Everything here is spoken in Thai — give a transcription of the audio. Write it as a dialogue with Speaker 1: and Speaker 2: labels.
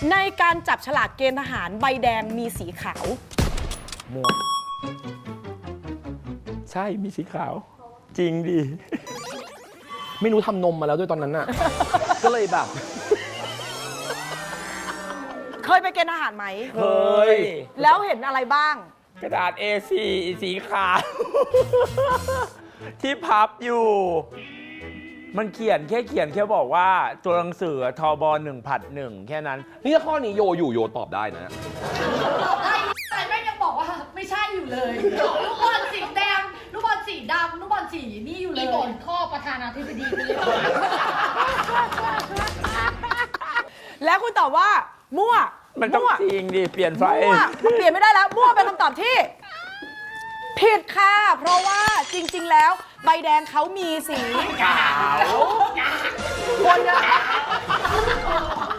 Speaker 1: ในการจับฉลากเกณฑ์ทหารใบแดงมีสีขาว
Speaker 2: ม่วงใช่มีสีขาว จริงดิ ไม่รู้ทำนมมาแล้วด้วยตอนนั้นน่ะ ก็เลยแบบ
Speaker 1: เคยไปเกณฑ์ทหารไหม
Speaker 2: เคย
Speaker 1: แล้วเห็นอะไรบ้าง
Speaker 2: กระดาษ A4 สีขาว ที่พับอยู่ มันเขียนแค่บอกว่าตัวหนังสือทบ1 แค่นั้น
Speaker 3: นี่ถ้าข้อนี้โยอยู่โยตอบได้นะ
Speaker 4: ได้แต่แม่งยังบอกว่าไม่ใช่อยู่เลยลูกบอลสีแดงลูกบอลสีดำลูกบอลสีนี่อยู่เลย
Speaker 5: อีบ่นข้อประธานาธิบดีไปเลย
Speaker 1: แล้วคุณตอบว่า มั่ว
Speaker 2: มันต้อง
Speaker 1: มั่ว
Speaker 2: จริงดิ เปลี่ยนไฟ
Speaker 1: มั่วมันเปลี่ยนไม่ได้แล้ว มั่วเป็นคำตอบที่ ผิดค่ะ เพราะว่าจริง ๆ แล้ว ใบแดงเขามีสี
Speaker 2: ขาว
Speaker 1: คนจะ